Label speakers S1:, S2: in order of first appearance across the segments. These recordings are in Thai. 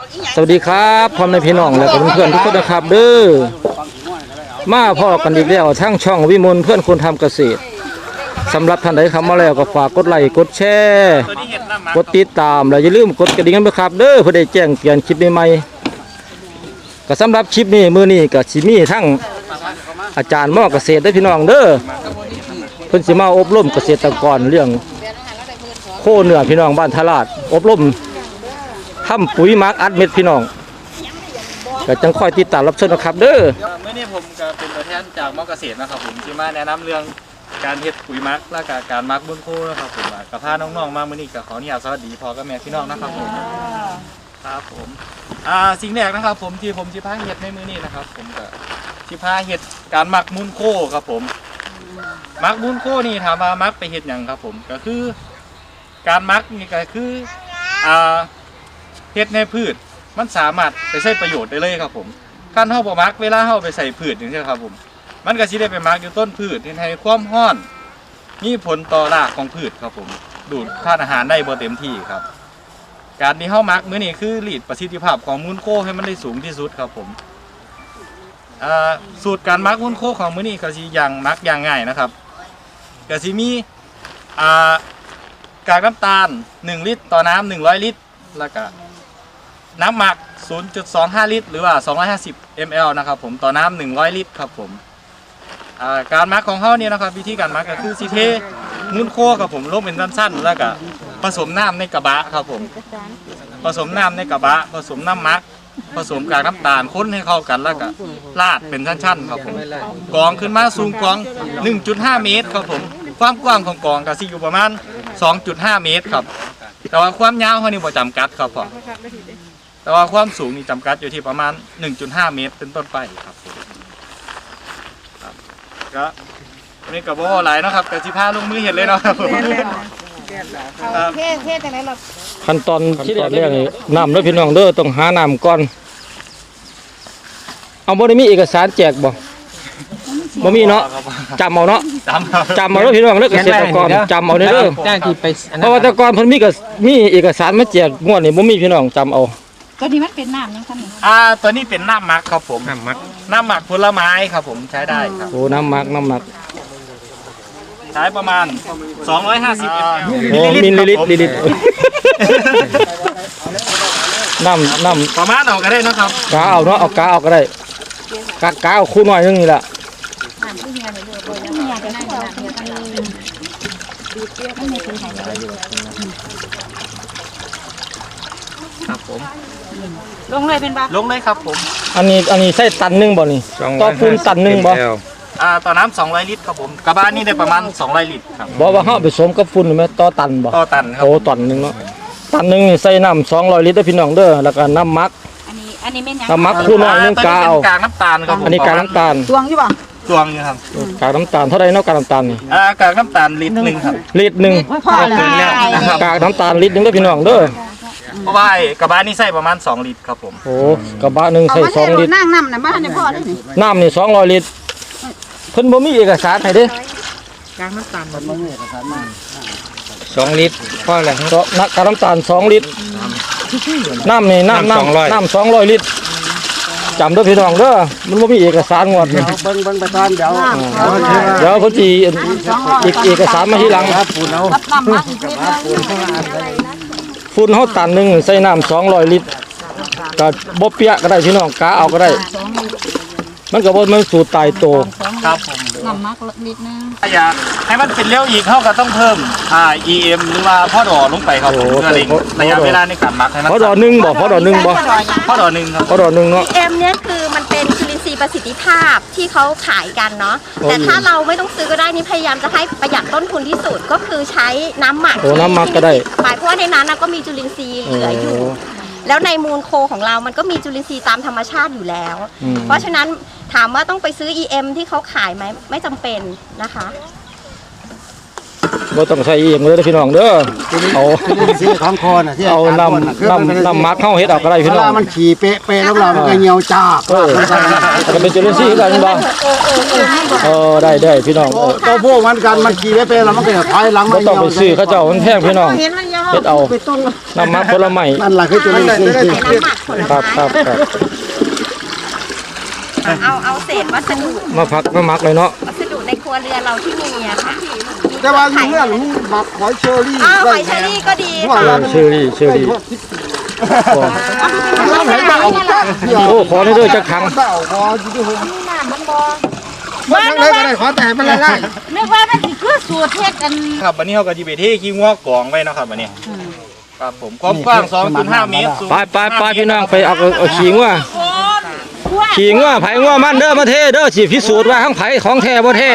S1: สวัสดีครับพ่อแม่พี่น้องและเพื่อนๆทุกคนนะครับเด้อมาพ่อกันอีกแล้วทั้งช่องวิมลเพื่อนคนทำเกษตรสำหรับท่านใดเข้ามาแล้วก็ฝากกดไลค์กดแชร์กดติดตามและอย่าลืมกดกระดิ่งกันด้วยครับเด้อเพื่อได้แจ้งเตือนคลิปใหม่ๆก็สำหรับคลิปนี้มื้อนี้ก็สิมีทั้งอาจารย์หม้อเกษตรได้พี่น้องเด้อเพิ่นสิมาอบรมเกษตรกรเรื่องโคเนื้อพี่น้องบ้านทลาดอบรมทำปุ๋ยหมักอัดเม็ดพี่น้องก็จังค่อยติดตามรับชมนะครับเด้อ
S2: เมื่อนี้ผมก็เป็นตัวแทนจากมอเกษตรนะครับผมที่มาแนะนำเรื่องการเฮ็ดปุ๋ยหมักและการหมักบนโคนะครับผมกับพาน้องๆมาเมื่อนี้ก็ขออนุญาตสวัสดีพ่อกับแม่พี่น้องนะครับผมครับผมสิ่งแรกนะครับผมที่ผมสิพาเฮ็ดในมื้อนี้นะครับผมก็สิพาเฮ็ดการหมักมูลโคครับผมหมักมูลโคนี่ถามว่าหมักไปเฮ็ดหยังครับผมก็คือการหมักนี่ก็คือเฮ็ดในพืชมันสามารถไปใช้ประโยชน์ได้เลยครับผมการเฮาบ่หมักเวลาเฮาไปใส่พืชอย่างเช่นครับผมมันก็สิได้ไปหมักอยู่ต้นพืชที่ให้ความร้อนมีผลต่อรากของพืชครับผมดูดธาตุอาหารได้บ่เต็มที่ครับการที่เฮาหมักมื้อนี้คือรีดประสิทธิภาพของมูลโคให้มันได้สูงที่สุดครับผมสูตรการหมักมูลโคของมื้อนี้ก็สิอย่างหมักอย่างง่ายนะครับก็สิมีกากน้ำตาล1ลิตรต่อน้ำ100ลิตรแล้วก็น้ำหมัก 0.25 ลิตรหรือว่า250 ml นะครับผมต่อน้ำ100ลิตรครับผมการหมักของเขาเนี่ยนะครับวิธีการหมักก็คือสิเทมูลโคครับผมลงเป็นสั้นๆแล้วก็ผสมน้ำในกระบะครับผมผสมน้ำในกระบะผสมน้ำหมักผสมกากน้ำตาลคนให้เข้ากันแล้วก็ราดเป็นชั้นๆครับผมกองขึ้นมาสูงกอง 1.5 เมตรครับผมความกว้างของกองก็สิอยู่ประมาณ 2.5 เมตรครับแต่ว่าความยาวเขานี่บ่จำกัดครับผมแต่ว่าความสูงนี่จำกัดอยู่ที่ประมาณ 1.5 เมตรเป็นต้นไปครับก็นี่กับว่าหลายนะครับแต่สิพาลงมือเห็นเลยเนาะครับผม
S3: เทจังได๋ล่ะ
S1: ขั้นตอนที่แรกนี่น้ำเด้อพี่น้องเด้อต้องหาน้ำก่อนเอาบ่ได้มีเอกสารแจกบ่มีเนาะจำเอาเนาะจำเอาเด้อพี่น้องเด้อเกษตรกรจำเอาเด้อเพราะว่าแต่ก่อนเพิ่นมีเอกสารมาแจกงวดนี่บ่มีพี่น้องจำเอา
S3: ตัวนี้มันเป็นน้ำยังคั่น
S2: ตัวนี้เป็นน้ำหมักครับผมน้ำหมักผลไม้ครับผมใช้ได้ครับ
S1: โอ้น้ำหมัก
S2: ใช้ประมาณ250
S1: โอ้มิลลิลิตรน้ำ
S2: ประมาณเอาก็ได้นะครับ
S1: กาเอาเนาะเอากาเอาก็ได้กาเอาคู่หน่อยนึงนี่แหละ
S2: ครับผม
S3: ลงเลยเป็นบ่
S2: ลงเลยครับผม
S1: อันนี้ใส่ตันนึงบ่นี่ต่อปูนตันนึงบ่
S2: ต่อน้ำ200ลิตรครับผมกระบะนี่ได้ประมาณ200ลิตรครับ
S1: บอกว่าเฮาไปสมกับฝุ่นมั้ยต่อตันบ่
S2: ต่อตันครับ
S1: โอ้ตันนึงเนาะตันนึงนี่ใส่น้ำ200ลิตรเด้อพี่น้องเด้อแล้วก็น้ำหมัก
S3: อันนี้แม่นหยัง
S1: น้ำหมักคู่น้อยนึงกาเอา
S2: กากน้ำตาลครับ
S1: อันนี้กากน้ำตาล
S3: ตวงอยู่บ่
S2: ตวงอยู่ครับ
S1: กากน้ำตาลเท่าไรเนาะกากน้ำตาลนี่
S2: กากน้ำตาลลิตรนึงครับ
S1: ลิตรนึงกากน้ำตาลลิตรนึงเด้อพี่น้องเด้อ
S2: เพราะว่ากระบะนี่ใส่ประมาณ2ลิตรครับผม
S1: โอ้กระบะนึงใส่2ลิตร
S3: น้ำน่ะบ่ทันได้พอเด้นี่
S1: น้ำนี่200ลิตรเพิ่นบ่มีเอกสารให้เด้
S3: กากน้ำตาลบ่มีเอกสารมา
S1: 2ลิตรพอแล้วกากน้ำตาล2ลิตรน้ำนี่น้ำ200ลิตรจำเด้อพี่น้องเด้อมันบ่มีเอกสารงวดนี่
S4: เบิ่งไปก่อนเดี๋ยว
S1: เพิ่นสิเอกสารมาทีหลัง
S4: ครับฝุ่นเอา
S1: ฝุ่นเฮาตันนึงใส่น้ำ200ลิตรก็บ่เปียกก็ได้พี่น้องกาเอาก็ได้มันก็บ่มันสูตรตายโต
S2: ครับผม
S3: น้ำมักนิดนึง
S2: อยากให้มันเป็นเร็วอีกเฮาก็ต้องเพิ่มEM หรือว่าพอดอลงไปครับผมเพื่อระยะเวลาในการหมักให้มัน
S1: พอดอ1บ่พอดอ1บ่
S2: พอดอ1ครับ
S1: พอดอ1เนาะ
S5: EM เนี่ยคือมันเป็นจุลินทรีย์ประสิทธิภาพที่เขาขายกันเนาะแต่ถ้าเราไม่ต้องซื้อก็ได้นี่พยายามจะให้ประหยัดต้นทุนที่สุดก็คือใช้น้ำหมัก
S1: น้ำหมักก็ได้
S5: เพราะว่าในนั้นก็มีจุลินทรีย์เหลืออยู่แล้วในมูลโคของเรามันก็มีจุลินทรีย์ตามธรรมชาติอยู่แล้วเพราะฉะนั้นถามว่าต้องไปซื้อ EM ที่เขาขายไหมไม่จำเป็นนะคะ
S1: บ่ต้องใส่EMเลยพี่น้องเด้อเอา
S4: สีของคอน่ะที่
S1: เอาน้ำมักเข้าเฮ็ดเอาก็ได้พี่น้อง
S4: มันขี่เป๊ะๆแล้วเรามันก็เหี่ยวจ้า
S1: ก็เป็นจุลินทรีย์กันบ่ได้พี่น้อง
S4: ตัวพวกมันกันมันขี่เป๊ะๆแล้วมันก็ถอยหลัง
S1: บ่ต้องไปซื้อเขาเจ้ามันแพงพี่น้อง
S3: เห็นมันย
S1: เฮ็ดเอา
S4: ไปต้น
S1: น้ำมักผลไม้
S4: นั่นแหละคือจุลินทรีย์
S5: ใส่น้ำหมักผล
S1: ครั
S5: ไม้
S1: บครับครับ
S5: เอาเศษวัสดุ
S1: มาพักมามักเลยเนาะ
S5: วัสดุในครัวเรือนเราที่มีอะค่ะ
S4: แต่ว่าอยู่เรื่องหมักหอยเชอรี่
S5: อ้าวหอยเชอรี่ก็ดีค่ะ
S1: เชอรี่โอ้
S4: น้ำไหลเบา
S1: โอ้ขอได้ด้วยจักครั้ง
S4: เบาพออยู่ที่หัว มันทั้งไหนก็ได้ขอแต่มันละลาย
S3: นึกว่ามันสิคือสูตรเฮ็ดกัน
S2: ครับวันนี้เขาก็จะไปเทขี้งัวกองไว้เนาะครับวันนี้ครับผมความกว้าง 2.5 เมตรสูง
S1: ไปพี่น้องไปเอาขิงว่าขิงว่าไผว่ามันเด้อมาเทเด้อสิพิสูจน์ว่าทั้งไผของแท้บ่แท้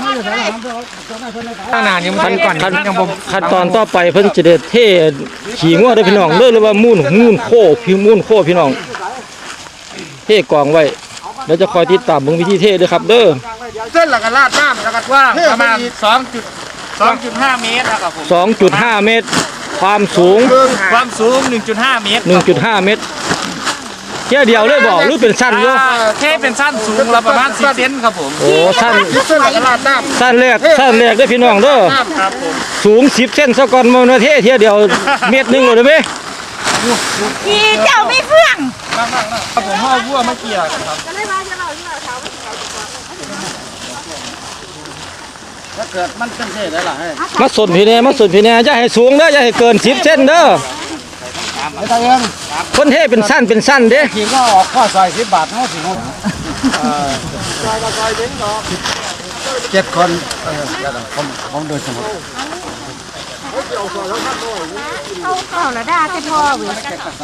S2: ขนาดนี้มันก่อน
S1: ขั้นตอนต่อไปเพิ่นจะได้เทขิงว่าเด้อพี่น้องเด้อหรือว่ามูนโคพี่น้องเทกองไว้แล้วจะคอยติดตามเบิ่งวิธีเทเด้อครับเด้อ
S4: เส้นหลักลาดน้ำแล้วก็
S2: กว้างประมาณ2.5 เมตรนะครับผม
S1: 2.5 เมตร ความสูง
S2: ความสูง 1.5 เมตร
S1: 1.5 เมตรเที่ยเดียวเลยบอกหรือเป็นสั้นอยู่
S2: เทเป็นสั้นสูงละประมาณ10 เซนครับผม
S1: โอ้สั้น
S4: เส้นหลักลาดน้ำ
S1: สั้นแรกเด้อพี่น้องเด้อ
S2: ครับผม
S1: สูง10 เซนซะก่อนมาเทเที่ยเดียวเมตรหนึงเลยได้ไหม
S3: อีเจ้าไม่เฟื่อง
S2: ครับผมห่อวัวมาเกี่ยกันครับ
S4: ถ้าเกิดมันเป็นเศษได้หรอ
S1: มาสนพี่แน่อย่าให้สูงเด้ออย่าให้เกิน10 เซนเด้อ
S4: ไม่ต้องเอง
S1: คนเทเป็นสั้นเด้
S4: ขี่ก็ออกข้อซอย10 บาทเนาะสิเนาะ7 คนผมโดยสมมติ
S3: เอาละด้าจะพอเว้ย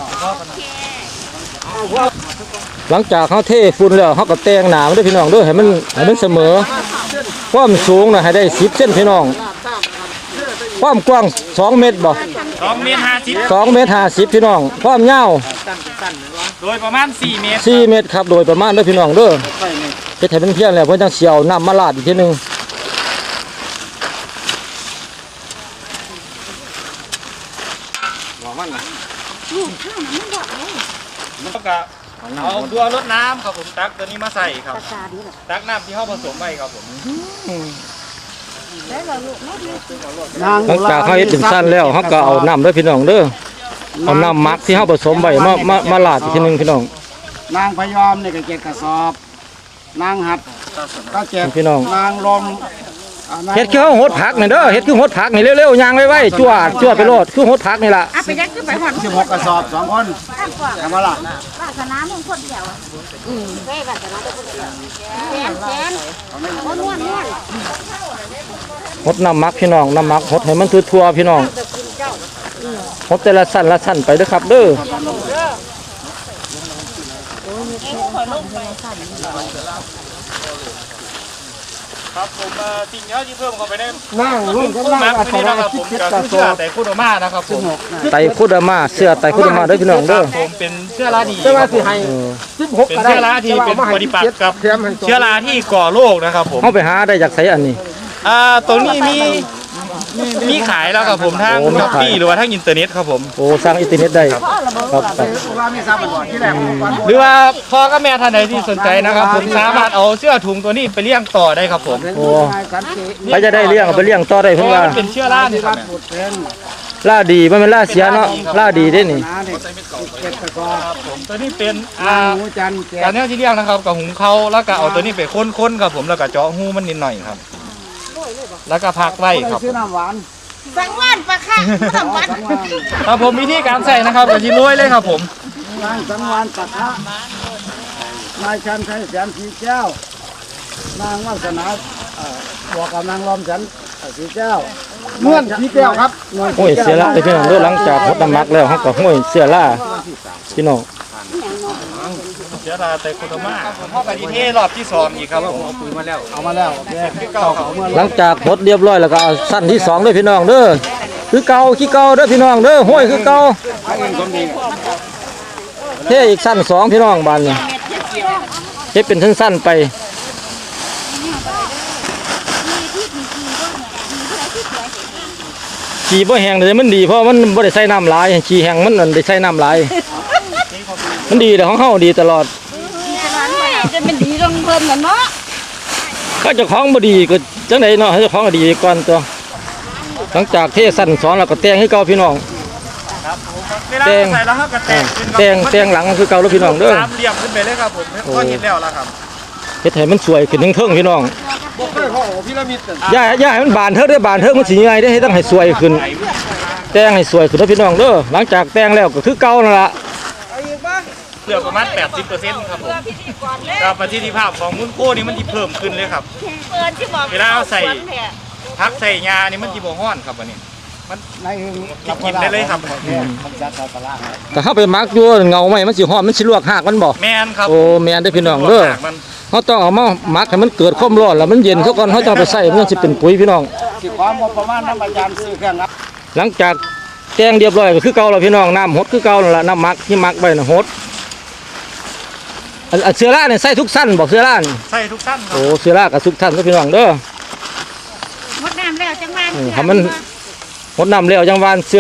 S1: หลังจากเขาเทฝุ่นแล้วเขาก็แต่งหนามันเด้อพี่น้องเด้อให้มันเสมอความสูงน่ะให้ได้10 เซนพี่น้องความกว้าง2 เมตรบ่
S2: 2 เมตร 50
S1: 2 เมตร 50พี่น้องความยาว
S2: โดยประมาณ 4 เมตร
S1: 4 เมตรครับโดยประมาณเด้อพี่น้องเด้อเฮ็ดให้มันเพียงแล้วเพิ่นจังสิเอาน้ำมาราดอีกทีหนึง
S2: แล้วก็เอาตัวรดน้ำครับผมตักตัวนี้มาใส่ครับตักน้ำที่เขาผสมไว้ครับผม
S1: หลังจากเขาเฮ็ดเป็นสั้นแล้วเขาก็เอาน้ำเด้อพี่น้องเด้อเอาน้ำหมักที่เขาผสมไว้มาราดอีกทีหนึงพี่น้อง
S4: นางพยอมเนี่ยก็7 กระสอบนางหัดก็7
S1: พี่น้อง
S4: นางลม
S1: เฮ็ดคือเขาหดผักนี่เด้อเฮ็ดคือหดผักนี่เร็วๆย่างไว้ๆจวดไปโลดคือหดผักนี่ล่ะ
S3: เอาไปยังคือไปหอด
S4: 16 กระสอบ2 คนทำมาละ
S3: วาสนามึงคนเดียวเฮ้ยวาสนาคนเดียวแสนโอ้นวล
S1: หดน้ำหมักพี่น้องน้ำหมักหดให้มันทั่วๆพี่น้องหดแต่ละสั้นไปเด้อครับเด้อ
S2: ครับผมสิ่งที่เพิ่มเข้าไปใน
S4: นั่งร่วมกัน
S2: มั
S4: นั่ง
S2: ก
S4: อั
S2: ตัว
S4: ต
S2: นี้
S4: รา
S2: นะครับผม
S4: คิด
S2: ก็
S4: กระ
S2: คือ
S4: ส
S2: เสื้
S4: อ
S2: อบ แต่คุโดมานะครับผม
S1: ไตคุดามาเสื้อไตคุดามาเด้อพี่น้องเด้อ
S2: ผมเป็นเชื้อราดี
S4: แต่ว่าสิให้ 16
S2: เป็น
S4: ก็ได้
S2: เชื้อราที่เป็นปฏิปักษ์กับเชื้อราที่ก่อโรคนะครับผม
S1: เฮาไปหาได้จากไสอันนี้
S2: ตรงนี้มีขายแล้วครับผมทาง
S1: โอ้มี
S2: ช้อป
S1: ขาย
S2: ปี้หรือว่าทางอินเทอร์เน็ตครับผม
S1: โอ้สร้างอินเทอร์เน็ตได้ครับ
S4: ว่ามีทราบมาก่อนที่แรกผมก่อน
S2: หรือว่าพ่อกับแม่ท่านใดที่สนใจนะครับผมสามารถเอาเสื้อถุงตัวนี้ไปเลี้ยงต่อได้ครับผม
S1: โอ้ใครจะได้เลี้ยงเอาไปเลี้ยงต่อได้
S2: เพ
S1: เพิ่น
S2: ราะว่า
S1: ว่า
S2: มันเป็นเชื้อรานี่ครับ
S1: ล่าดีมันเป็นล่าเสียเนาะล่าดีเด้นี่
S4: น้าเนี่ย7 กระสอบ
S2: ครับผมตัวนี้เป็น
S4: นางหูจันทร์
S2: การเนี้ยที่เลี้ยงนะครับกับหุงเขาแล้วก็เอาตัวนี้ไปค้นๆครับผมแล้วก็เจาะหูมันนิดหน่อยครับ แล้วก็พักไว้ครับ
S4: ซื้อน้ำหวาน
S3: สังวานปะค่ะสังวาน
S2: ครับผมวิธีการใส่นะครับกับที่รวยเลยครับผม
S4: นางสังวานปักฮะนายชันชัยแสนสีแก้ว นางวาสนาบอกกับนางลอมแสนสีแก้วเมื่อนสีแก้วครับ
S1: ห้วยเสียล่าพี่น้องเด้อหลังจากหดน้ำหมักแล้วเฮาก็ห้วยเสียล่าพี่น้อง
S2: เชื้อราไตโคโดมาพ่อไปที่เทรอบที่สองอีกครับผม
S4: เอามาแล้วโอเค
S2: ที่เก่าครับ
S1: หลังจากหดเรียบร้อยแล้วก็เอาสั้นที่2เด้อพี่น้องเด้อคือเก่าขี้เก่าเด้อพี่น้องเด้อห้วยคือเก่าเทอีกสั้น2พี่น้องบานนี้เฮ็ดเป็นสั้นๆไปขี้บ่แห้งเลยมันดีเพราะมันบ่ได้ใส่น้ำหลายขี้แห้งมันได้ใส่น้ำหลายมันดีแต่ของเฮาดีตลอด
S3: จะเป็นดีตรงเพิ่นน่ะเนาะ
S1: ก็เจ้าของบ่ดีก็จังไดเนาะให้เจ้าของก็ดีก่อนตัวหลังจากเทสั่นสอนแล้วก็แต่งให้เก่าพี่น้อง
S2: ครับผมเวลา
S1: แตง
S2: ใส่แล้วเขาก็แตงขึ้น
S1: แต่งหลังคือเก่าแล้วพี่น้องเด้อ
S2: สามเหลี่ยมขึ้นไปเลยครับผมก็เห็นแล้วล่ะครับ
S1: เฮ็ดให้มันสวยขึ้นเทิงๆพี่น้อง
S4: บ่เคยพ่อพีระมิด
S1: อย่าให้มันบานเทิงเด้อบานเทิงมันสิใหญ่ได้ให้ต้องให้สวยขึ้น แต่งให้สวยขึ้นนะพี่น้องเด้อหลังจากแต่งแล้วก็คือเก่านั่นล่ะ
S2: เหลือประมาณ 80%ครับผมกับประสิทธิภาพของมุ้นโค้นี่มันจะเพิ่มขึ้นเลยครับ เวลาเอาใส่พักใส่ยานี่มันจะบ่ฮ้อนครับวันนี้มัน
S4: ในหึง
S2: กินได้เลยครับ
S4: มันจัดใส่ปลาร้าให้
S1: ก็เฮาไปมักอยู่เงาไหมมันสิฮ้อนมันสิลวกหากมันบ่
S2: แมนครับ
S1: โอ้แม่นเด้อพี่น้องเด้อ
S2: มัน
S1: เฮาต้องเอามามักให้มันเกิดความร้อนแล้วมันเย็นซะก่อนเฮาจะเอาไปใส่มันสิเป็นปุ๋ยพี่น้อง
S4: สิความงบประมาณน้ำอาจารย์ซื้อเครื่องรับ
S1: หลังจากแต่งเรียบร้อยก็คือเก่าแล้วพี่น้องน้ำหดคือเก่านั่นล่ะน้ำมักที่มักไว้น่ะหดอันเสื้อราเนี่ยใส่ทุกสั้นบอกเสื้อรานี่
S2: ใส่ทุกสั้นครั
S1: โอ้
S2: บ
S1: เสื้อรากับทุกสั้นก็พี่น้องเด้อ
S3: มดน้ำแล้วจังหวะ
S1: ทำมันหดน้ำแล้วจังหวานเสื้อ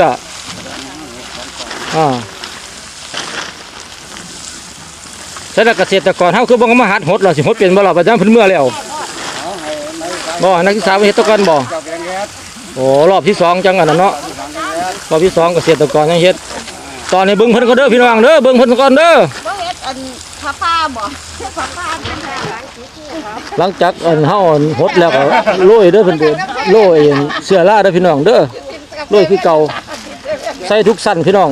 S1: ใช่แล้วเกษตรกรเฮาคือบ่มาหัดหดหรอสิหดเป็นบ่ล่ะประจำเพิ่นเมื่อแล้ว
S4: เอาให้ในการ
S1: บ่นักศึกษาเฮ็ดตะกันบ่
S4: เจ้าแกงแก๊ส
S1: โอ้รอบที่สองจังอันนั้นเนาะรอบที่สองเกษตรกรยังเฮ็ดตอนนี้เบิ่งเพิ่นก็เด้อพี่น้องเด้อเบิ่งเพิ่นก่อนเด้อ
S5: บ่เฮ็ดอันผ้าบ่ผ้าเป็นทางหลังสีเขียว
S1: หลังจากอันเฮาหดแล้วก็โรยเด้อเพิ่นเด้อโรยเสื้อราเด้อพี่น้องเด้อโรยคือเก่าใส่ทุกสั้นพี่น้อง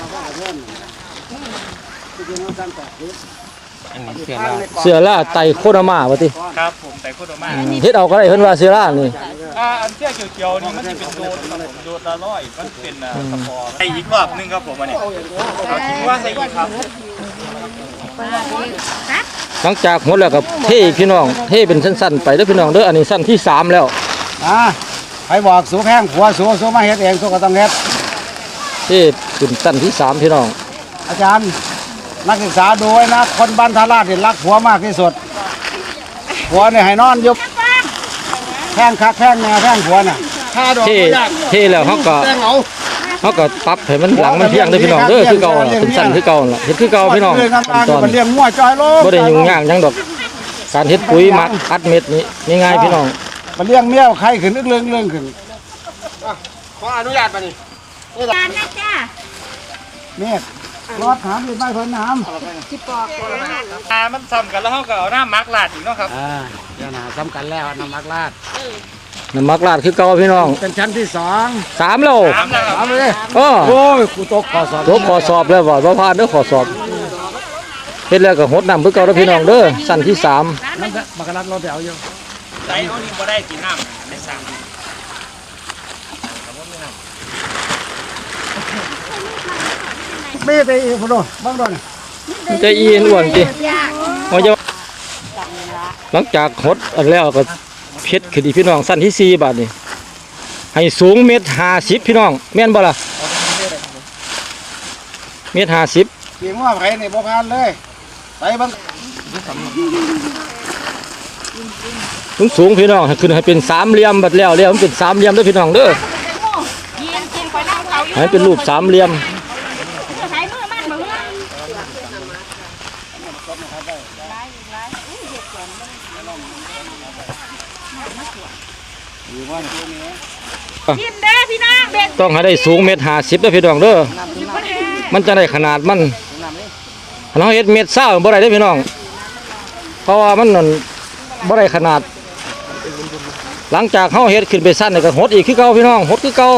S1: เสื้อราไตโคนามาว่าติ
S2: ครับผมแต่โคตรมาก
S1: เฮ็ดเอาก็ได้เพิ่นว่าเสื้อรานี่
S2: อันเสื้อเขียวๆนี่มันจะเป็นโดนครับผมโดนละร้อยมันเป็นสปอร์ใส่อีกรอบหนึงครับผมอันนี้เอาทิ้งว่าใส่อีกครับ
S1: หลังจากหดแล้วก็เทพี่น้องเทเป็นสั้นๆไปเด้อพี่น้องเด้ออันนี้สั้นที่สามแล้ว
S4: ไปบอกสูแข้งขัวสูมาเฮ็ดเองสูก็ต้องเฮ็ด
S1: เทเป็นสั้นที่สามพี่น้อง
S4: อาจารย์นักศึกษาดูไว้นะคนบ้านทาราชเนี่ยรักผัวมากที่สุดผัวเนี่ยให้นอนยุบแข้งคักแข้งแนวแข้งผัวน่ะถ้าดอก
S1: เท
S4: บ่ยาก
S1: เทแล้วเขาก็
S4: แข้งเอา
S1: เขาก็ปรับให้มันหลังมันเพียงเด้อพี่น้องเด้อคือเก่าล่ะเป็นสั้นคือเก่าล่ะเฮ็ดคือเก่าพี่น้อง
S4: เรื่อง
S1: ขั้น
S4: ต่าง
S1: ตอน
S4: ๆมันเลี้ยงงัวจอยโล
S1: บ่ได้ยุ่งยากหยังดอกการเฮ็ดปุ๋ยหมักอัดเม็ดนี่ง่ายๆพี่น้อง
S4: มันเลี้ยงเมียไข่ขึ้นเรื่องขึ้นขออนุญาตป่ะนี่
S3: การนะจ้า
S4: เมฆรอดถามอีกไม่เพิ่นน้ำ
S2: มันซ้ำกันแล้วเขาก็เอาน้ำมักลาดอีกเนาะครับ
S4: เดี๋ยวนะสำคัญแล้วน้ำมักลาด
S1: น้ำมักลาดคือเก่าพี่น้อง
S4: เป็นชั้นที่สอง
S1: สามแล้ว
S2: ถามแล้วครับ
S4: เอาเลย
S1: อ้อ
S4: โอ้ยกูตกขอสอบ
S1: ตัวขอสอบแล้วบ่ผ่านเด้อขอสอบเฮ็ดแล้วก็หดน้ำคือเก่าเด้อพี่น้องเด้อสั้นที่สาม
S4: นั่นบักรัดรถเดี๋ยวอยู่
S2: ใส่เอานี่บ่ได้กินน้ำในสาม
S4: ไม่ได้อีกพอดบ้างดอน
S1: มันจะอีนอ้วนติว่าจะหลังจากหดอันแล้วก็เพชรขึ้นอีกพี่น้องสั้นที่4บาทนี่ให้สูง1.50 พี่น้องแม่นบ่ล่ะ1.50
S4: เกี่ยงว่าไผนี่บ่ผ่านเลยไปบาง
S1: สูงพี่น้องให้ขึ้นให้เป็นสามเหลี่ยมบัดแล้วมันเป็นสามเหลี่ยมเด้อพี่น้องเด้อ
S3: ยินกินไปนั่งเขาอยู่
S1: ให้เป็นรูปสามเหลี่ยม
S3: ใช้มือมันมือกินเด้อพี่น้องเด็ก
S1: ต้องให้ได้สูง1.50 เด้อพี่น้องเด้อมันจะได้ขนาดมันเราเฮ็ด1.20 บ่ได้เด้อพี่น้องเพราะว่ามันนั่นบ่ได้ขนาด หลังจากเฮาเฮ็ดขึ้นไปสั้นนี่ก็หดอีกคือเก่าพี่น้องหดคือเก่า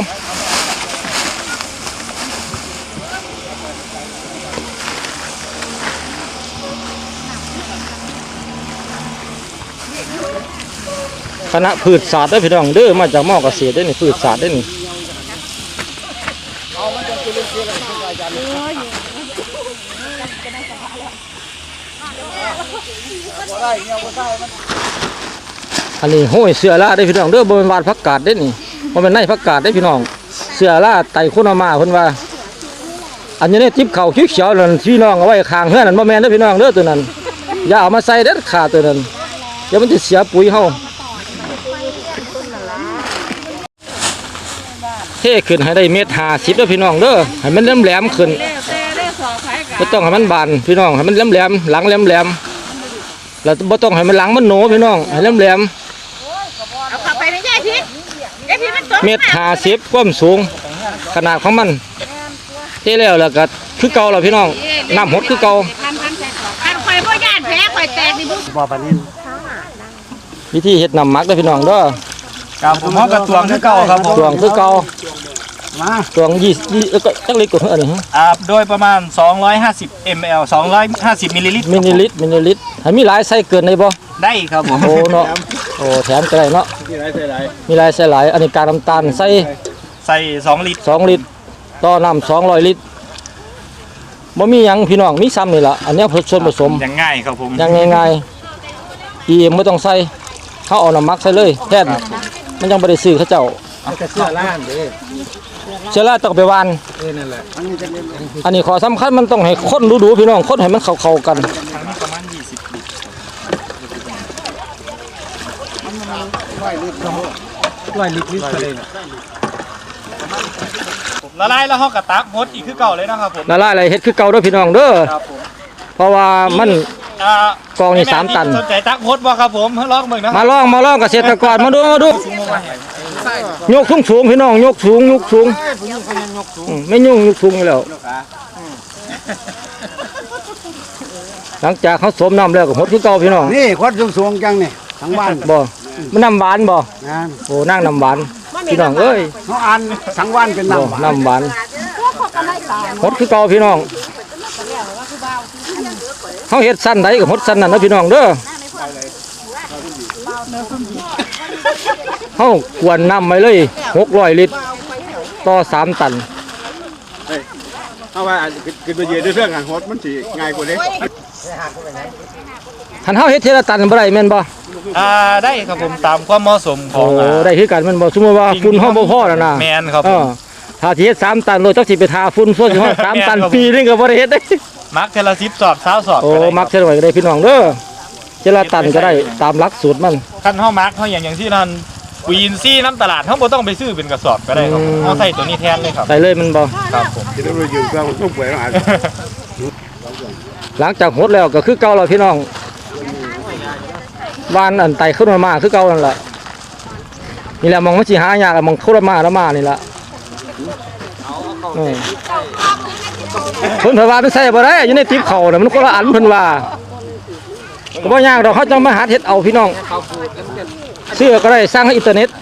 S1: คณะพืชศาสตร์เด้อพี่น้องเด้อมาจากมอเกษตรเด้อนี่พืชศาสตร์เด้อนี่ อันนี้ห้อยเสือล่าได้พี่น้องเด้อบ่เป็นวาดผักกาดเด้นี่บ่เป็นในผักกาดได้พี่น้องเสือล่าไตโคนามาเพิ่นว่าอันนี้เนี่ยจิ๊บเข่าเขียวๆนั่นพี่น้องเอาไว้ข้างเฮือนนั่นบ่แม่นเด้อพี่น้องเด้อตัวนั้นอย่าเอามาใส่เด็ดขาดตัวนั้นเดี๋ยวมันจะเสียปุ๋ยเฮาเทขึ้นให้ได้1.50เด้อพี่น้องเด้อให้มันแหลมๆขึ้นบ่ต้องให้มันบานพี่น้องให้มันแหลมๆหลังแหลมๆแล้วบ่ต้องให้มันหลังมันโหนพี่น้องให้แหลมๆ
S3: เอาเข้าไปในยายพิษยายพิษมัน
S1: เม็ด50ความสูงขนาดของมันเท่แล้วก็คือเก่าแล้วพี่น้องน้ำหดคือเก่า
S3: คันข่อยบ่ย่านแผลข่อยแตกนี่บุ
S4: บ่ปานนี้
S1: วิธีเฮ็ดน้ำหมักเด้อพี่น้องเด้อ
S2: ครับผมเขากระตวงคือเก่าครับผม
S1: ตวงคือเก่า
S4: มา
S1: ตวง20ก็จักลิตรกว่าอันนี้ฮะ
S2: โดยประมาณ250 ml 250มิลลิลิตร
S1: มิลลิลิตรให้มีหลายไส้เกินได้บ่
S2: ได้ครับผม
S1: โอ้เนาะโอ้แถมก็ได้เนาะ
S4: ที่ไรใส่ไร
S1: มีหลายใส่หลายอันนี้กากน้ำตาลใส่
S2: ใส่2ลิตร
S1: 2 ลิตรต่อน้ำ200 ลิตรบ่มีหยังพี่น้องมีซ้ำนี่ล่ะอันนี้ส่วนผสม
S2: อย่างง่ายครับผม
S1: ยังง่ายๆEMไม่ต้องใส่เขาเอาน้ำหมักใส่เลยแทนมันยังบ่ได้ซื้อเขาเจ้า
S4: ก็เสื้อล้านเด้
S1: เชื้อราต้องไปหวาน
S4: นั่นแหละอันนี้จะเป็น
S1: อันนี้ขอสำคัญมันต้องให้คนดูๆพี่น้องคนให้มันเข้าๆกัน
S2: ทางนี้ประมาณ20ลิตร
S4: ร้อยลิตรเลย
S2: ละลายแล้วเขากระตักหดอีกคือเก่าเลยนะครับผม
S1: ละลายอะไรเฮ็ดคือเก่าเด้อพี่น้องเด้อ
S2: ครับผม
S1: เพราะว่ามัน
S2: าก
S1: องนี่3 ตัน
S2: สนใจตักหดบ่ครับผมลองเบิ่งนะ
S1: มาลองเกษตรกรมาดูยกสูงๆพี่น้องยกสูงไม่ยุ่งยกสูงอยู่แล้วหลังจากเขาสวมน้ำแล้วก็หดคือเก่าพี่น้อง
S4: นี่ควัดสูงๆจังนี่ทั้งบ้าน
S1: บ่มันน้ำหวานบ่
S4: งาน
S1: โอ้นั่งน้ำหวานพี่น้องเอ้ย
S4: เขาอ่านทั้งวันเป็น
S1: โอ้
S4: น้ำหวาน
S1: น้ำหวานหดคือเก่าพี่น้องเขาเฮ็ดสั้นใดก็หดสั้นนั่นนะพี่น้องเด้อเขากวนน้ำไปเลย600 ลิตรต่อ3 ตัน
S6: เอาว่ากินไปเยอะด้วยเรื่องการโฮสมันสิง่ายกว่านี้
S1: หันเฮาเฮ็ดเทละตันบ่ได้แม่นบ่
S2: ได้ครับผมตามความเหมาะสมข
S1: โอ้
S2: อง
S1: ได้คือกันแม่นบ่สมมุติว่าฝุ่นเฮาบ่พอแล้วนะ
S2: แมนครับ
S1: เอ
S2: ผม
S1: อถ้าสิเฮ็ด3 ตันโลจักสิไปทาฝุ่นส่วนสิฮอด3 ตัน
S2: แม่นครับ
S1: ปีนึงก็บ่ได้เฮ็ดได้
S2: มักเทละ10 สอบ20 สอบ
S1: โอ้
S2: ก็ได้
S1: มักเท่าไหร่ก็ได้พี่น้องเด้อเทละตันก็ได้ตามหลักสูตรมัน
S2: คันเฮามักเฮาอย่างที่นั่นปุ๋ยอินทรีย์น้ำตลาดเฮาบ่ต้องไปซื้อเป็นกระสอบก็ได้ครับผมเฮาใส่ตัวนี้แทนเลยครับ
S1: ใส่เลยมันบ่
S2: ครับผม
S6: กินไปเยอะเรื่องมันต้องป่วยแล้วอ่าน
S1: หลังจากหดแล้วก็คือเก่าแล้วพี่น้องวานอันไตขึ้นมาคือเก่านั่นแหละนี่แหละมองมันสิหายากอะมองโคตรมาแล้วมานี่ละเออเพิ่นว่ามันใส่บ่ได้อยู่ในติ๊บเขาน่ะมันคนละอันเพิ่นว่าก็บ่ยากดอกเขาจังมาหาเฮ็ดเอาพี่น้องเสื้อก็ได้สร้างให้อินเทอร์เน็ต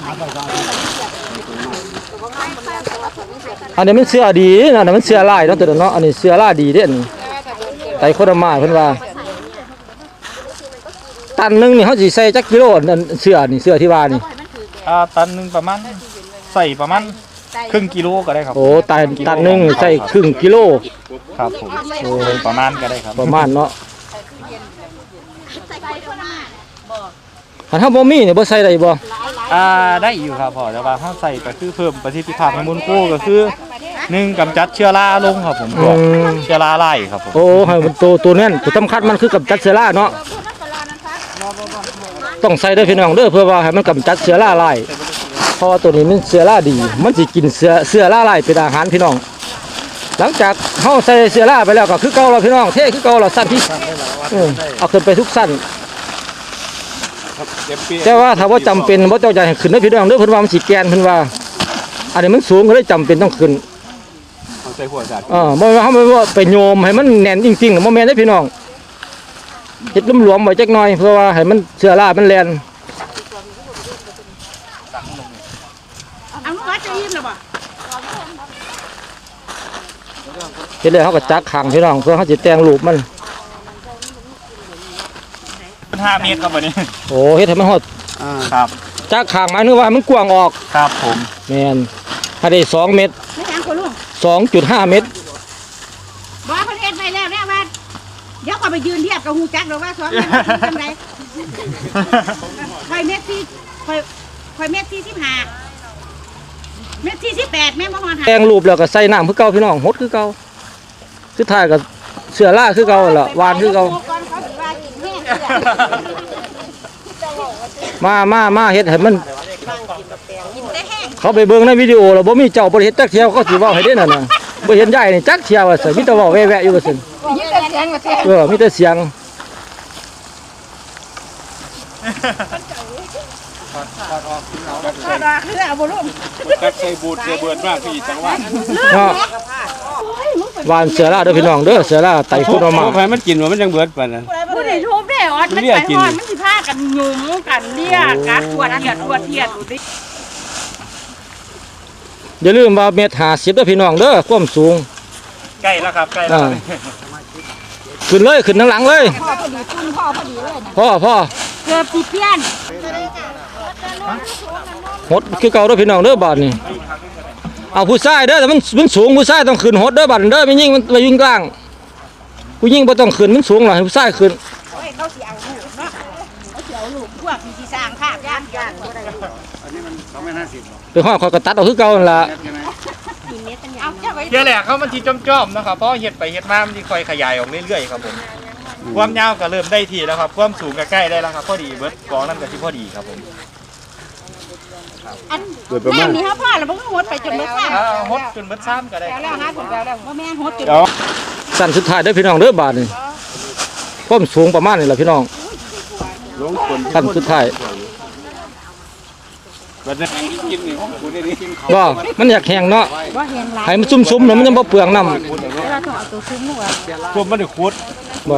S1: อันนี้มันเสื้อดีนะอันนี้มันเสื้อลายเนาะตัวเนาะอันนี้เสื้อลายดีเด้อันนี้ไตโคตรมาเพิ่นว่าตันหนึงนี่เขาสิใส่จักกิโลอันเสื้อนี่เสื้อที่ว่านี่
S2: ตันหนึงประมาณใส่ประมาณครึ่งกิโลก็ได้ครับ
S1: โอ้ตันหนึงใส่ครึ่งกิโล
S2: ครับผมโอ้ประมาณก็ได้ครับ
S1: ประมาณเนาะถ้าเฮาบ่มีเนี่ยบ่ใส่ได้บ่
S2: ได้อยู่ครับพ่อแต่ว่าเฮาใส่ก็คือเพิ่มประสิทธิภาพให้มูลโคก็คือ1กำจัดเชื้อราลงครับผมพวกเชื้อราไล่ครับผม
S1: โอ้ให้มันตัวนั้นตัวสำคัญมันคือกำจัดเชื้อราเนาะต้องใส่เด้อพี่น้องเด้อเพื่อว่าให้มันกำจัดเชื้อราลายเพราะว่าตัวนี้มันเชื้อราดี มันสิกินเชื้อราลายเป็นอาหารพี่น้อง หลังจากเฮาใส่เชื้อราไปแล้วก็คือเก่าแล้วพี่น้องเท่คือเก่าแล้วสั้นที่เอาขึ้นไปทุกสั้นแต่ว่าถ้าว่าจำเป็นบ่ต้องจะให้ขึ้นเด้อพี่น้องเด้อเพิ่นว่ามันสิแกนเพิ่นว่า อันนี้มันสูงก็เลยจำเป็นต้องขึ้น
S6: เอาใส่หัวจัด
S1: บ่ว่าเฮาไม่ว่าไปโยมให้มันแน่นจริงๆบ่แม่นเด้อพี่น้องเฮ็ดหลวมๆไว้จักหน่อยเพื่อว่าให้มันเชื้อรามันแล่น
S3: เอาลูกว่าจะยิ้มแล้วบ่
S1: เฮ็ดแล้วเฮาก็จักขังพี่น้องเพื่อเฮาสิแต่งรูปมัน
S2: 5 เมตรครับวันนี้
S1: โอ้เฮ็ดให้มันฮอด
S2: ครับ
S1: จักขังหมายถึงว่าให้มันกว้างออก
S2: ครับผม
S1: แม่นให้ได้2 เมตร
S3: ไม่ทางคนลุง
S1: 2.5 เมตร
S3: บ่เพิ่นเฮ็ดไปแล้วแน่ว่าเดี๋ยวก็ไปยืนเทียบกับฮู้จักดอกว่าสอนทำไดข่อยเม็ดที่ข่อยเม็ดที่15เม็ดที่18แม่บ่ฮอดหา
S1: แต่งรูปแล้วก็ใส่น้ำคือเก่าพี่น้องหดคือเก่าสุดท้ายก็เสื้อราคือเก่าล่ะหวานคือเก่ามาเฮ็ดให้มันเขาไปเบิ่งในวิดีโอแล้วบ่มีเจ้าบ่ได้เฮ็ดจักเที่ยวเขาสิเว้าให้เด้นั่นน่ะบ่เห็นยายนี่จักเที่ยวว่าซั่นมีแต่เว้าแว่ๆอยู่ว่าซั่นมีแต่เสียง
S6: กัดใส่บูดใส่เบิดมากพี่จังหวะ
S1: เนาะวานเสือล่าเด้อพี่น้องเด้อเสือล่าไต่พุดออกมา
S6: ไปมันกินว่ามันยังเบิดปานนั้น
S3: ผู้ใดทุบได้ออดมันไปหอนมันสิพากันหยุ่มกันเรียกกัดขวดเทียดดูดิ
S1: อย่าลืมว่าเมตร50เด้อพี่น้องเด้อความสูง
S2: ใกล้แล้วครับใกล้แล้ว
S1: ขึ้นเลยขึ้นทั้งหลังเลย
S3: พ่อพอดีปุ้นพ่อพอดีเลยนะ
S1: พ่อ
S3: เกือบสิเพี้ยน
S1: หดคือเก่าเด้อพี่น้องเด้อบาดนี่เอาผู้ชายเด้อแต่มันสูงผู้ชายต้องขึ้นหดเด้อบาดเด้อไม่ยิ่งมันไปยิ่งกลางผู้ยิ่งบ่ต้องขึ้นมันสูงหรอกให้ผู้ชายขึ้น
S3: โอ้ยเขาสิเอาลูกเนาะเขาสิเอาลูกพวกมีสิสร้างภาพย่านบ่ได้
S4: อันนี้มัน250
S1: ไปห้อยคอยกระตัดเอาคือเก่านั่นล่ะ
S3: เอาเจ้าไว้
S2: เดี๋ยวแหละเขามันทีจ้อมๆนะครับเพราะเห็ดไปเห็ดมามันทีคอยขยายออกเรื่อยๆครับผมความยาวก็เริ่มได้ทีแล้วครับความสูงก็ใกล้ได้แล้วครับพอดีเบิร์ดกองนั่นก็ที่พอดีครับผม
S3: อันแม่นี่เฮาพ่อแล้วมันก็หดไปจนเบิดซ้ำ
S2: ฮดจนเบิร์ดซ้ำก็ได้
S3: แล้วหาผลแล้วบ่แม่นหดจน
S1: สั้นสุดท้ายเด้อพี่น้องเด้อบาดนี่ความสูงประมาณนี้ล่ะพี่น้อง
S6: ลงคน
S1: สั้นสุดท้าย
S6: บัดนี้กินนี่ของกูได้นี่กิน
S1: ว่ามันอยากแห้งเนาะ
S3: บ่เห็นหลาย
S1: ให้มันซุ่มๆเนาะมันยังบ่เปลืองน้ำ
S3: เวลาต้องเอาตัวซุ้มหัว
S6: รวมมันได้ขุด
S1: บ่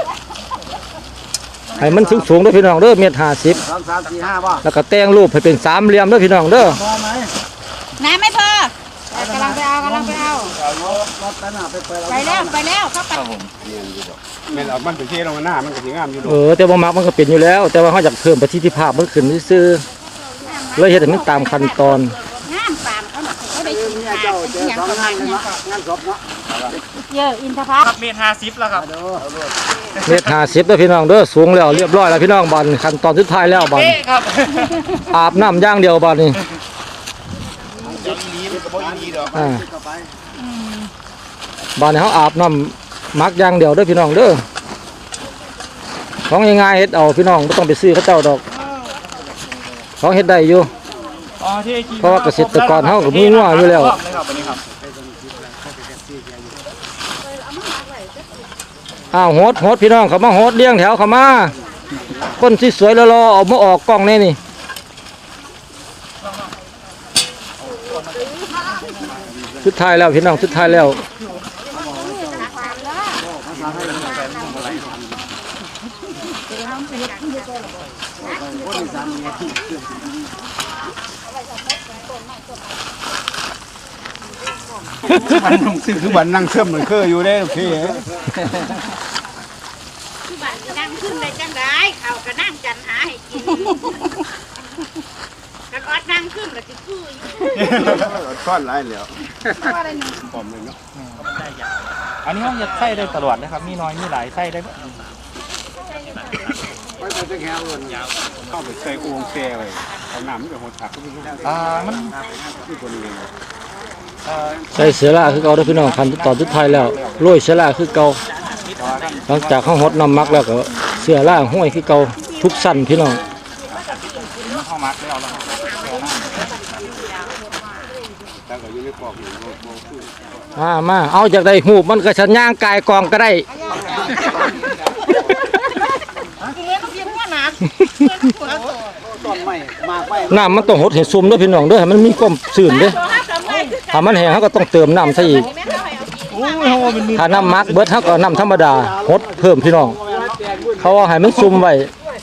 S1: ให้มันสูงๆเด้อพี่น้องเด้อเมตร50
S4: 2 3 4 5บ่
S1: แล้วก็แต่งรูปให้เป็นสามเหลี่ยมเด้อพี่น้องเด้อ
S4: พอไหม
S3: น้ำไม่พอกำลังไปเอา
S4: รถกันน่ะไปเปิด
S3: ไปแล้วเข้าไป
S6: แม่นเอามันไปเทลงหน้ามันก็สิงามอยู่ดอก
S1: แต่บ่มักมันก็เป็นอยู่แล้ว แต่ว่าเฮาอยากเพิ่มประสิทธิภาพมันขึ้นซื่อๆเลยเฮ็ดให้มันตามขั้นตอน
S3: งามปานเขาน่ะเขาได้กิน
S4: เนี่ยเจ้าเจอ2งานเลยเนาะงานศพเนาะ
S3: เยอะอินทผลัม
S2: ครับเมตร50แล้วครับ
S1: เมตร50เด้อพี่น้องเด้อสูงแล้วเรียบร้อยแล้วพี่น้องบัดนี้ขั้นตอนสุดท้ายแล้วบัด
S2: เป๊ะครับ
S1: อาบน้ำอย่างเดียวบัดนี้อ่าบัดนี้เฮาอาบน้ำมักอย่างเดียวเด้อพี่น้องเด้อของง่ายๆเฮ็ดเอาพี่น้องบ่ต้องไปซื้อเขาเจ้าดอกของเฮ็ดได้อยู่
S2: อ๋อที่
S1: เพราะว่าเกษตรกรเฮาก็มีงัวอยู่แล้ว อ้าวโหดพี่น้องเขามาโหดเลี้ยงแถวเขามาคนที่สวยๆรอๆเอามาออกกล้องแน่นี่สุดท้ายแล้วพี่น้องสุดท้ายแล้ว
S6: คือบันนั่งเสื่อมเหมือนเคยอยู่ได้พี่
S3: ที่บ้านนั่งขึ้นเลยจังได้เขาก็นั่งจันหาให้กินกันออดนั่งขึ้นก็สิคืออยู่
S6: ซ่อนหลายแล้ว
S2: อันนี้เขาจะใส่ได้ตลอดนะครับมีน้อยมีหลายใส่ได้
S6: เข้าไปใส่อูงเซ่ไว้เอาน้ำมันก็หดถักขึ้นมา
S2: มัน
S6: ที่คนนี้
S1: ใส่เสือล่าคือเก่าเด้อพี่น้องคันตอนสุดท้ายแล้วโรยเสือล่าคือเก่าหลังจากเขาหดน้ำมักแล้วก็เสือล่าห้อยคือเก่าทุกสั้นพี่น้อง
S2: เข้ามัดแล้ว
S6: ตั้งแต่อยู่ในกรอบอยู่
S1: มาเอาจากได้หูบมันก็ชันย่างกายกองก็ได้
S4: ต้นไม้มากไป
S1: น้ำมันต้องหดให้ซุ่มเด้อพี่น้องเด้อให้มันมีความซื่นเด้อถ้ามันแห้งเขาก็ต้องเติมน้ำซะอีกถ้าน้ำมักเบิดเขาก็น้ำธรรมดาหดเพิ่มพี่น้องเพราะว่าให้มันซุ่มไว้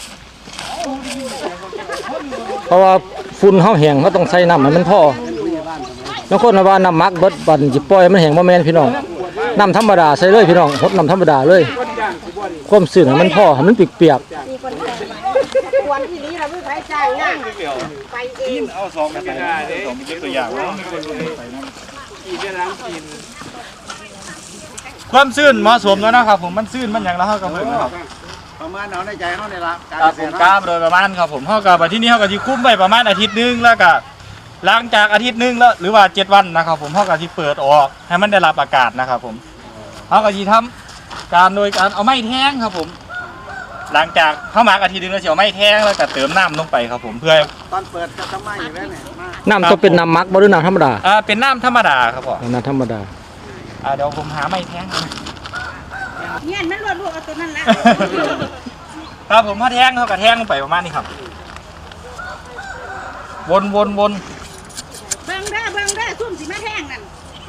S1: เพราะว่าฝุ่นเขาแห้งเขาต้องใส่น้ำให้มันพอบางคนว่าน้ำมักเบิดบัดสิปล่อยมันแห้งบ่แม่นพี่น้องน้ำธรรมดาใส่เลยพี่น้องหดน้ำธรรมดาเลยความซื่นให้มันพอให้มันเปียก
S3: ควรที่นี้เราไม่ไปจ่ายงานไปเอง
S6: เอาสองกันไม่ได้เลย
S2: มีตัวอย่างความซื่นเหมาะสมแล้วนะครับผมมันซื่นมันอย่างแล้วเขาก็เพิ่งนะครับ
S4: ประมาณเอาในใจเขาในละการ
S2: ครับ
S4: เก
S2: ผ
S4: ษ
S2: ม
S4: ตร
S2: กล้าโดยประมาณครับผมเขากับที่นี่เขากับที่คุ้มไปประมาณอาทิตย์นึงแล้วก็หลังจากอาทิตย์นึงแล้วหรือว่า7 วันนะครับผมเขากับที่เปิดออกให้มันได้รับอากาศนะครับผมเขากับที่ทำการโดยการเอาไม้แท่งครับผมหลังจากเข้ามาอาทิตย์นึงแล้วเสียวไม้แท่งแล้วก็เติมน้ำลงไปครับผมเพื่อ
S4: ตอนเปิดก็ต้องมาอยู่แล้วเนี่ยมา
S1: ๆน้ำต้องเป็นน้ำมักบ่หรือน้ำธรรมดา
S2: เป็นน้ำธรรมดาครับผม
S1: น้ำธรรมดา
S2: เดี๋ยวผมหาไม้แท่ง
S3: เนี่ยมันรวดเอาตัวนั้นละ
S2: ครับผมถ้าแท่งเขากับแท่งลงไปประมาณนี้ครับวนวนวน
S3: เบิ่งเด้อซุ่มสิมาแท่งนั่น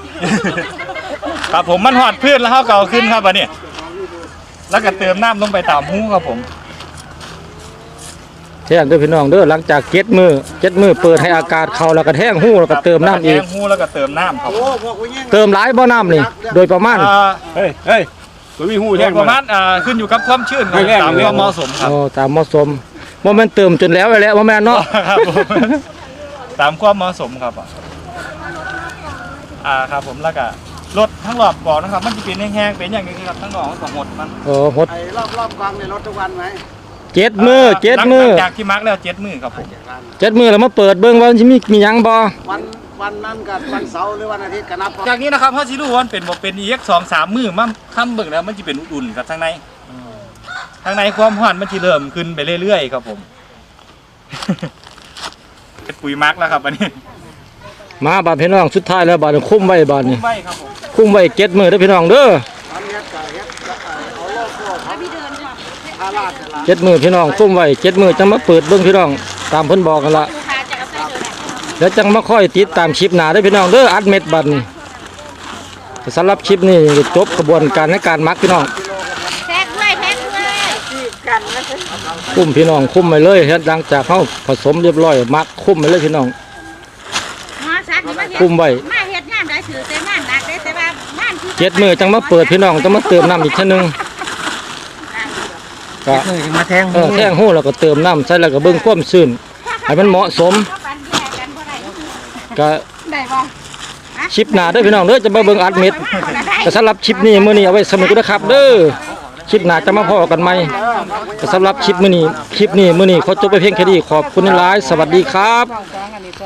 S2: ครับผมมันหอดพืชแล้วเขาเก่าขึ้นครับอันนี้แล้วก็เติมน้ำลงไปตามหูครับผม
S1: แท่งเด้อพี่น้องเด้อหลังจากเจ็ดมือเปิดให้อากาศเข้าแล้วก็แท่งหูแล้วก็เติมน้ำอีก
S2: แทงหูแล้วก็เติมน้ำครับ
S4: โอ้พวกผู้หญิง
S1: เติมหลายบ่น้ำนี่โดยประมาณ
S6: เฮ้ยตัวมีหู
S2: โด
S6: แท่
S2: ย
S6: ง
S2: ประมาณขึ้นอยู่กับความชื้นครับ
S6: แรกๆ
S2: ตามความเหมาะสมครับ
S1: โอ้ตามเหมาะสมบ่แม่นเติมจนแล้วไปแล้วบ่แม่นเนาะ
S2: ครับผมตามความเหมาะสมครับครับผมแล้วก็รถทั้งรอบบอกนะครับมันจะเป็นแห้งๆเป็นอย่างนี้ครับทั้งรอบมันก็หดมัน
S1: โอ้หด
S4: ไอ้รอบกลางในรถทุกวันไหม
S1: เจ็ดมือ
S2: หลังจากที่มาร์กแล้ว7 มือครับผม
S1: 7 มือแล้วมาเปิดเบิ่งว่าสิมีหยังบ่
S4: วันนั้นกับวันเสาร์หรือวันอาทิตย์ก็นับ
S2: จากนี้นะครับเขาสิรู้ว่ามันเป็นบ่เป็นอีก2-3 มือมันทำเบิ่งแล้วมันจะเป็นอุ่นๆครับข้างในความร้อนมันจะเริ่มขึ้นไปเรื่อยๆครับผมเป็นปุ๋ยมาร์กแล้วครับอันนี้
S1: มาบาดพี่น้องสุดท้ายแล้วบาดนี้คุ้มไว้บาดนี้
S2: ไม่ครับผม
S1: คุ้มไว้7 มือเด้อพี่น้องเด้อ
S4: อันนี้ก็เฮ็ดเอาโลโก้ครับพาราดนั่นล่ะ
S1: 7 มือพี่น้องคุ้มไว้7 มือจังมาเปิดเบิ่งพี่น้องตามเพิ่นบอกกันละ
S3: ลูกค้าจะเอาใส่เดือน
S1: แล้วจังมาค่อยติดตามคลิปหน้าเด้อพี่น้องเด้ออัดเม็ดบัดนี้สำหรับคลิปนี้จบกระบวนการในการมักพี่น้อง
S3: แท็กด้วยกันนะ
S1: คุ้มพี่น้องคุ้มไปเลยเฮ็ดหลังจากเขาผสมเรียบร้อยมักคุ้มไปเลยพี่น้อง
S3: มาสัตว์นี่มาเฮ็ด
S1: คุ้มไว้
S3: มาเฮ็ดงานได้ถือแต่งานหนักได้แต่ว่าบ้านคือ
S1: 7 มือจังมาเปิดพี่น้องจังมาเติมน้ำอีกเท่านึงก็
S4: มาแทง
S1: แท่งหู้แล้วก็เติมน้ำใส่แล้วก็เบิ่งความชื้นให้มันเหมาะสม
S3: ปันแย่กันบ่ได้
S1: ก็
S3: ได้บ่
S1: คลิปหน้าเด้อพี่น้องเด้อจะมาเบิ่งอัดเม็ดก็สำหรับคลิปนี้มื้อนี้เอาไว้สนุกนะครับเด้อคลิปหน้าจะมาพอกันใหม่ก็สำหรับคลิปมื้อนี้ขอจบไปเพียงแค่นี้ขอบคุณหลายๆสวัสดีครับ